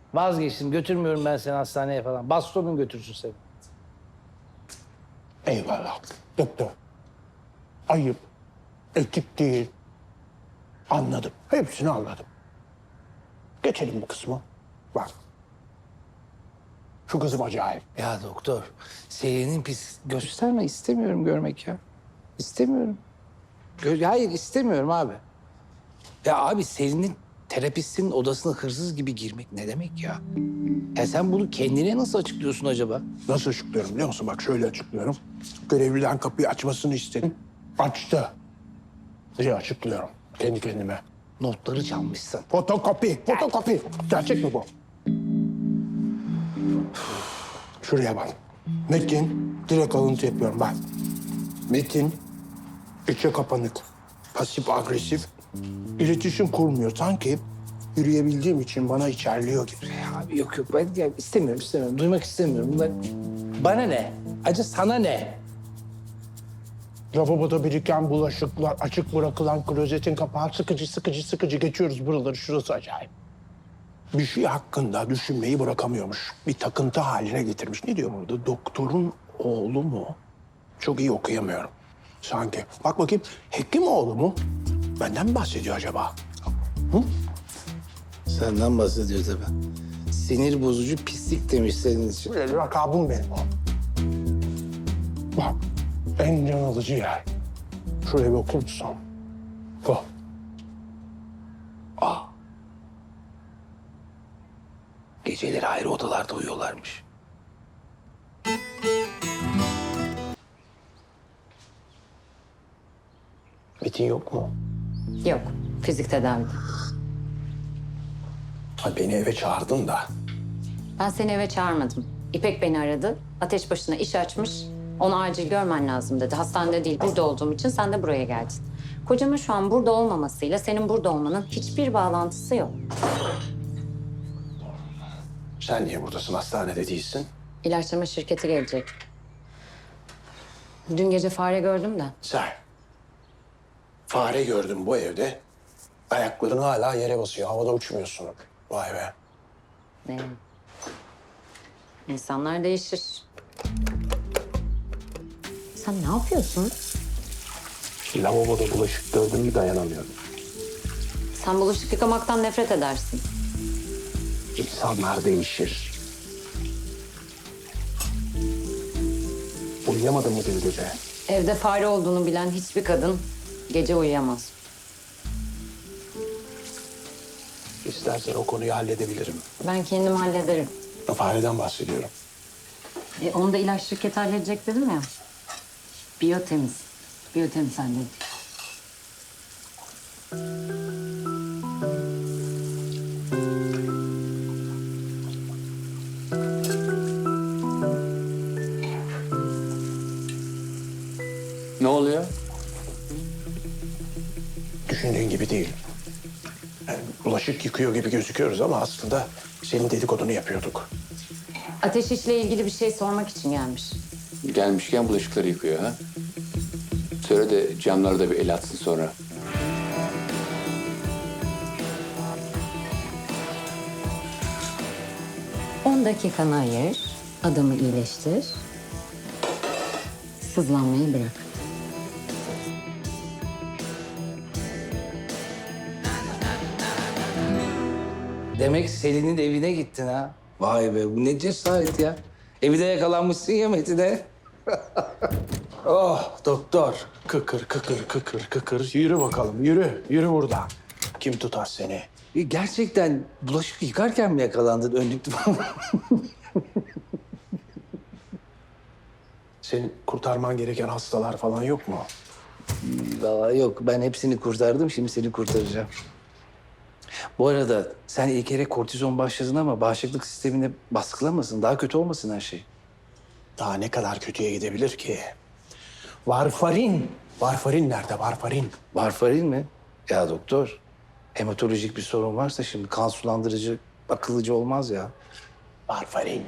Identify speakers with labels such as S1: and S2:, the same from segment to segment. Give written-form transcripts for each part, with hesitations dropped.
S1: Vazgeçtim. Götürmüyorum ben seni hastaneye falan. Bastonun götürsün seni.
S2: Eyvallah. Doktor. Ayıp. Etik değil. Anladım. Hepsini anladım. Geçelim bu kısmı. Bak. Şu kızım acayip.
S1: Ya doktor, Selin'in pis... Gösterme, istemiyorum görmek ya. İstemiyorum. Hayır, istemiyorum abi. Ya abi Selin'in terapistinin odasına hırsız gibi girmek ne demek ya? Ya sen bunu kendine nasıl açıklıyorsun acaba?
S2: Nasıl açıklıyorum biliyor musun? Bak şöyle açıklıyorum. Görevliden kapıyı açmasını istedim. Açtı. Diye açıklıyorum kendi kendime.
S1: Notları çalmışsın.
S2: Fotokopi, fotokopi. Gerçek mi bu? Şuraya bak. Metin, direkt alıntı yapıyorum bak. Metin, içe kapanık, pasif agresif, iletişim kurmuyor. Sanki yürüyebildiğim için bana içerliyor gibi.
S1: Ya abi yok ben ya istemiyorum. Duymak istemiyorum. Bunlar... Bana ne? Acı sana ne?
S2: Lavaboda biriken bulaşıklar, açık bırakılan klozetin kapağı sıkıcı geçiyoruz buraları. Şurası acayip. Bir şey hakkında düşünmeyi bırakamıyormuş. Bir takıntı haline getirmiş. Ne diyor burada? Doktorun oğlu mu? Çok iyi okuyamıyorum. Sanki. Bak bakayım. Hekimoğlu mu? Benden mi bahsediyor acaba?
S1: Senden bahsediyor tabii. Sinir bozucu pislik demiş senin için.
S2: Böyle lakabım benim o. Bak. En can alıcı yer. Şuraya bir okur musun? Bu.
S1: Geceleri ayrı odalarda uyuyorlarmış.
S2: Metin yok mu?
S3: Yok, fizik tedavide.
S2: Ha, beni eve çağırdın da.
S3: Ben seni eve çağırmadım. İpek beni aradı. Ateş başına iş açmış. Onu acil görmen lazım dedi. Hastanede değil, burada olduğum için sen de buraya geldin. Kocamın şu an burada olmamasıyla senin burada olmanın hiçbir bağlantısı yok.
S2: Sen niye buradasın? Hastanede değilsin.
S3: İlaçlama şirketi gelecek. Dün gece fare gördüm de.
S2: Sen. Fare gördüm bu evde. Ayakların hala yere basıyor. Havada uçmuyorsun. Vay be.
S3: Ne? İnsanlar değişir. Sen ne yapıyorsun?
S2: Lavaboda bulaşık gördüm mü dayanamıyorum.
S3: Sen bulaşık yıkamaktan nefret edersin.
S2: İnsanlar değişir. Uyuyamadın mı dün gece?
S3: Evde fare olduğunu bilen hiçbir kadın gece uyuyamaz.
S2: İstersen o konuyu halledebilirim.
S3: Ben kendim hallederim.
S2: Fareden bahsediyorum.
S3: Onu da ilaç şirketi halledecek dedim ya. Biyotemiz. Biyotemiz halledecek.
S4: Ne oluyor?
S2: Düşündüğün gibi değil. Yani bulaşık yıkıyor gibi gözüküyoruz ama aslında senin dedikodunu yapıyorduk.
S3: Ateş işle ilgili bir şey sormak için gelmiş.
S4: Gelmişken bulaşıkları yıkıyor ha. Söyle de camları da bir el atsın sonra.
S3: On dakikanı ayır, adamı iyileştir. Sızlanmayı bırak.
S1: Demek Selin'in evine gittin ha. Vay be bu ne cesaret ya. Evde yakalanmışsın ya Metin'e.
S2: Oh doktor. Kıkır. Yürü bakalım yürü. Yürü buradan. Kim tutar seni?
S1: Gerçekten bulaşık yıkarken mi yakalandın önlüklü falan?
S2: Senin kurtarman gereken hastalar falan yok mu?
S1: Vallahi yok ben hepsini kurtardım şimdi seni kurtaracağım. Bu arada sen ilk kere kortizon başladın ama bağışıklık sistemini baskılamasın. Daha kötü olmasın her şey.
S2: Daha ne kadar kötüye gidebilir ki? Varfarin. Varfarin nerede varfarin?
S1: Varfarin mi? Ya doktor hematolojik bir sorun varsa şimdi kan sulandırıcı akıllıcı olmaz ya.
S2: Varfarin.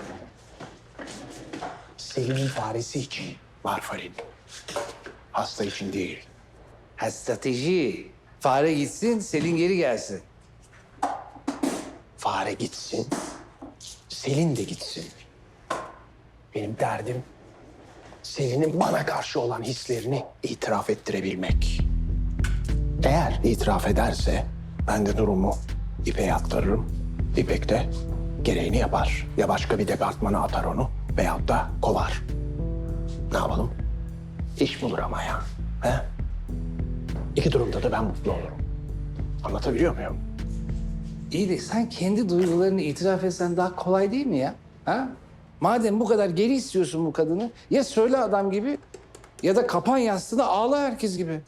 S2: Selim'in faresi için varfarin. Hasta için değil.
S1: Ha strateji. Fare gitsin Selin geri gelsin.
S2: Fare gitsin. Selin de gitsin. Benim derdim Selin'in bana karşı olan hislerini itiraf ettirebilmek. Eğer itiraf ederse ben de durumu İpek'e aktarırım. İpek de gereğini yapar. Ya başka bir departmana atar onu veyahut da kovar. Ne yapalım? İş bulur ama ya. He? İki durumda da ben mutlu olurum. Anlatabiliyor muyum?
S1: İyi de sen kendi duygularını itiraf etsen daha kolay değil mi ya? Ha? Madem bu kadar geri istiyorsun bu kadını, ya söyle adam gibi ya da kapan yastığına ağla herkes gibi.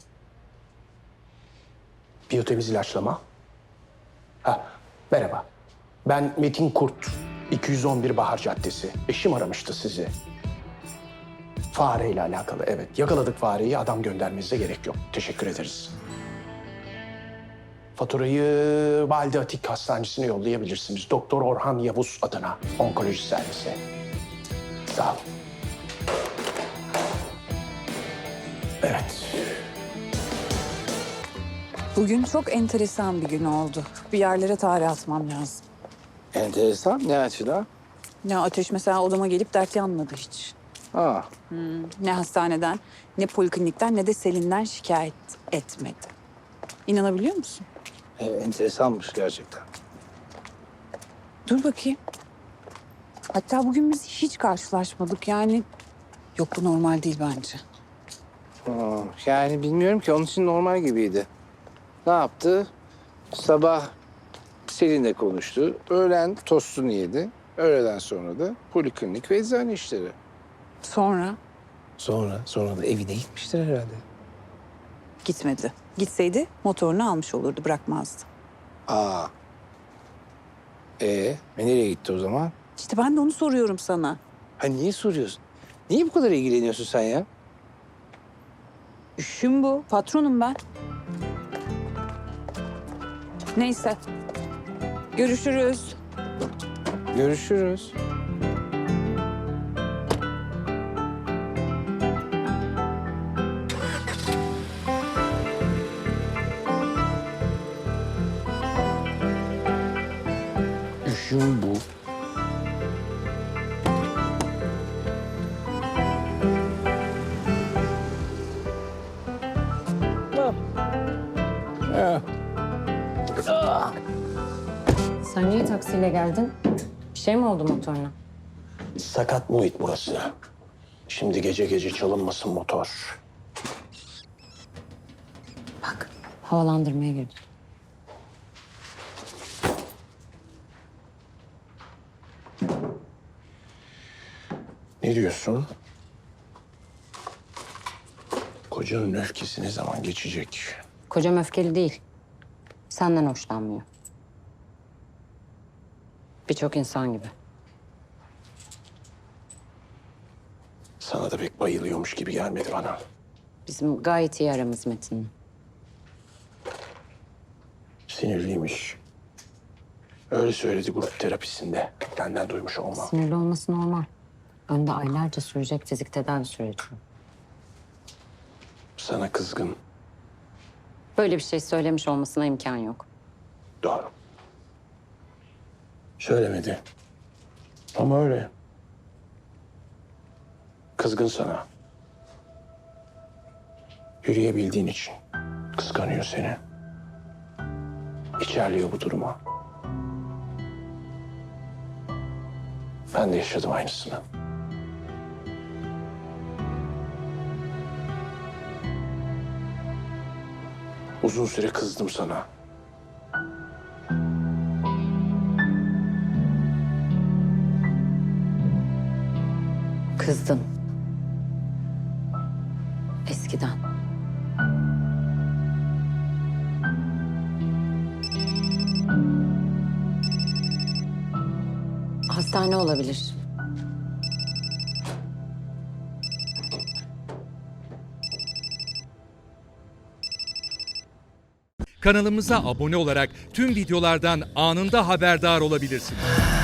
S2: Biyotemiz ilaçlama. Ha, merhaba. Ben Metin Kurt, 211 Bahar Caddesi. Eşim aramıştı sizi. Fareyle alakalı, evet. Yakaladık fareyi, adam göndermenize gerek yok. Teşekkür ederiz. Faturayı Valide Atik Hastanesi'ne yollayabilirsiniz. Doktor Orhan Yavuz adına, onkoloji servisi. Sağ olun. Evet.
S5: Bugün çok enteresan bir gün oldu. Bir yerlere tarih atmam lazım.
S1: Enteresan. Ne açıdan?
S5: Ne Ateş mesela odama gelip dert yanmadı hiç.
S1: Ha.
S5: Ne hastaneden, ne poliklinikten, ne de Selin'den şikayet etmedi. İnanabiliyor musun?
S1: Enteresanmış gerçekten.
S5: Dur bakayım. Hatta bugün biz hiç karşılaşmadık yani. Yok bu normal değil bence.
S1: Yani bilmiyorum ki, onun için normal gibiydi. Ne yaptı? Sabah Selin'le konuştu. Öğlen tostunu yedi. Öğleden sonra da poliklinik ve eczane işleri.
S5: Sonra
S1: Sonra da evine gitmiştir herhalde.
S5: gitmedi. Gitseydi motorunu almış olurdu, bırakmazdı.
S1: Aa. Nereye gitti o zaman?
S5: İşte ben de onu soruyorum sana.
S1: Ha, niye soruyorsun? Niye bu kadar ilgileniyorsun sen ya?
S5: İşim bu. Patronum ben. Neyse. Görüşürüz.
S1: Görüşürüz. İşim bu.
S3: Sen niye taksiyle geldin? Bir şey mi oldu motoruna?
S2: Sakat muhit burası. Şimdi gece gece çalınmasın motor.
S3: Bak, havalandırmaya girdim.
S2: Ne diyorsun? Kocanın öfkesi ne zaman geçecek?
S3: Kocam öfkeli değil. Senden hoşlanmıyor. Birçok insan gibi.
S2: Sana da pek bayılıyormuş gibi gelmedi bana.
S3: Bizim gayet iyi aramız Metin'le.
S2: Sinirliymiş. Öyle söyledi grup terapisinde. Benden duymuş olmam.
S3: Sinirli olması normal. Önde aylarca sürecek fizik tedavi süreci.
S2: Sana kızgın.
S3: Böyle bir şey söylemiş olmasına imkan yok.
S2: Doğru. Söylemedi. Ama öyle. Kızgın sana. Yürüyebildiğin için kıskanıyor seni. İçerliyor bu duruma. Ben de yaşadım aynısını. Uzun süre kızdım sana.
S3: Kızdın. Eskiden. Hastane olabilir.
S6: Kanalımıza abone olarak tüm videolardan anında haberdar olabilirsiniz.